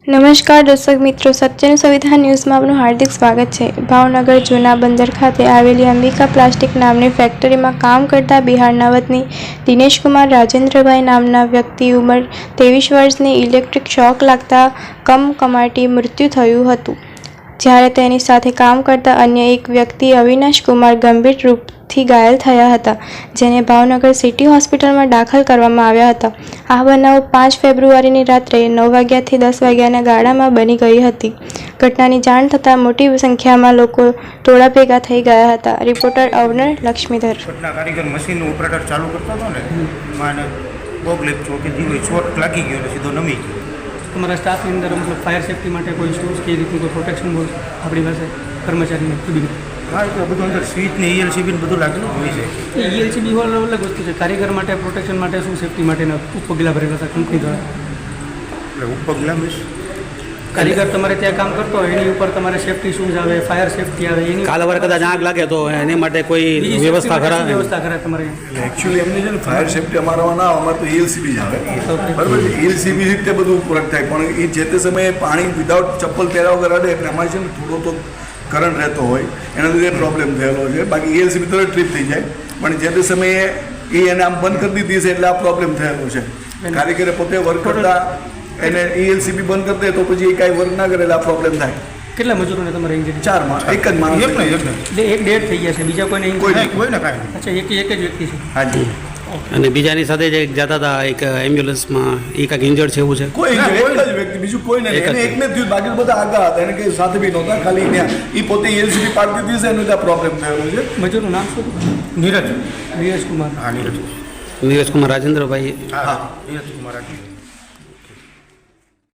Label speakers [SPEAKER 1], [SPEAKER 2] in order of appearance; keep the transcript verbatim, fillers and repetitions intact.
[SPEAKER 1] નમસ્કાર દર્શક મિત્રો, સત્યનું સંવિધાન ન્યૂઝમાં આપનું હાર્દિક સ્વાગત છે। ભાવનગર જૂના બંદર ખાતે આવેલી અંબિકા પ્લાસ્ટિક નામની ફેક્ટરીમાં કામ કરતા બિહારના વતની દિનેશકુમાર રાજેન્દ્રભાઈ નામના વ્યક્તિ ઉંમર ત્રેવીસ વર્ષની ઇલેક્ટ્રિક શોક લાગતા કમકમાટી મૃત્યુ થયું હતું, જ્યારે તેની સાથે કામ કરતા અન્ય એક વ્યક્તિ અવિનાશ કુમાર ગંભીર રૂપથી ઘાયલ થયા હતા, જેને ભાવનગર સિટી હોસ્પિટલમાં દાખલ કરવામાં આવ્યા હતા। આ બનાવ પાંચ ફેબ્રુઆરીની રાત્રે નવ વાગ્યાથી દસ વાગ્યાના ગાળામાં બની ગઈ હતી। ઘટનાની જાણ થતાં મોટી સંખ્યામાં લોકો ટોળા ભેગા થઈ ગયા હતા। રિપોર્ટર અવનર લક્ષ્મીધર।
[SPEAKER 2] ઘટના કારીગર મશીન ઓપરેટર ચાલુ કરતો હતો ને માને બોગ લેપચો કે જીવો શોર્ટ લાગી ગયો એટલે સીધો નમી ગયો।
[SPEAKER 3] તમારા સ્ટાફની અંદર મતલબ ફાયર સેફ્ટી માટે કોઈ સ્ટોર્સ કે રીતનું કોઈ પ્રોટેક્શન બોર્ડ આપણી પાસે કર્મચારીને ખુદી
[SPEAKER 2] હા, એટલે બધું અંદર સ્વિચ ને ઈએલસીબી ને બધું લાગેલું હોય છે।
[SPEAKER 3] ઈએલસીબી હોલ અલગ વસ્તુ છે, કારીગર માટે પ્રોટેક્શન માટે શું સેફ્ટી માટેના ઉપગલા ભરેલા હતા કંપની દ્વારા?
[SPEAKER 2] એટલે ઉપગલા મીન્સ
[SPEAKER 3] કારીગર તમારે ત્યાં કામ કરતો હોય એની ઉપર તમારે સેફ્ટી શૂઝ આવે, ફાયર સેફ્ટી આવે, એની
[SPEAKER 4] કાલવાર કદાચ આગ લાગે તો એની માટે કોઈ વ્યવસ્થા ખરા
[SPEAKER 3] વ્યવસ્થા ખરા તમારે?
[SPEAKER 5] એકચ્યુઅલી એમની છે ને ફાયર સેફ્ટી અમારામાં ના આવે, અમારે તો ઈએલસીબી જ આવે, બરાબર છે। ઈએલસીબી રીતે બધું પૂરક થાય, પણ એ જે તે સમયે પાણી વિધાઉટ ચપ્પલ પહેર્યા વગર અડે એટલે અમારે છે ને થોડો તો કરંટ રહેતો હોય, એના લીધે પ્રોબ્લેમ થયેલો છે। બાકી ઈએલસીબી તરત ટ્રીપ થઈ જાય, પણ જે તે સમયે એ એને આમ બંધ કરી દીધી છે એટલે આ પ્રોબ્લેમ થયેલો છે। કારીગરે પોતે વર્ક કરતા એને ઈએલસીબી બંધ કરી દે તો પછી એ કાંઈ વર્ક ના કરે એટલે આ પ્રોબ્લેમ થાય।
[SPEAKER 3] કેટલા મજૂરોને તમારે ઇન્જરી?
[SPEAKER 5] ચાર માં એક જ માણસ
[SPEAKER 2] એક નહીં એક નહીં
[SPEAKER 3] એટલે એક ડેડ થઈ ગયા છે, બીજા કોઈને
[SPEAKER 2] કોઈ
[SPEAKER 3] injury?
[SPEAKER 2] નહીં કોઈ ને કાંઈ
[SPEAKER 3] અચ્છા, એક એક જ વ્યક્તિ છે?
[SPEAKER 5] હાજી।
[SPEAKER 4] અને બીજાની સાથે જે જતા હતા એક એમ્બ્યુલન્સમાં એ કાંઈક ઇન્જર્ડ છે એવું છે?
[SPEAKER 5] કોઈ એક જ વ્યક્તિ, બીજું કોઈ નહીં, એને એકને જ થયું, બાકી બધા આગળ હતા, એને કંઈ સાથે બી નહોતા, ખાલી ત્યાં એ પોતે ઈએલસીબી પાડી દીધી છે, એનું ત્યાં પ્રોબ્લેમ થયેલો છે।
[SPEAKER 3] મજૂરનું નામ શું?
[SPEAKER 2] નીરજ
[SPEAKER 3] નીરજ કુમાર।
[SPEAKER 2] હા નીરજ
[SPEAKER 4] નીરજ કુમાર રાજેન્દ્રભાઈ।
[SPEAKER 2] હા નીરજ કુમાર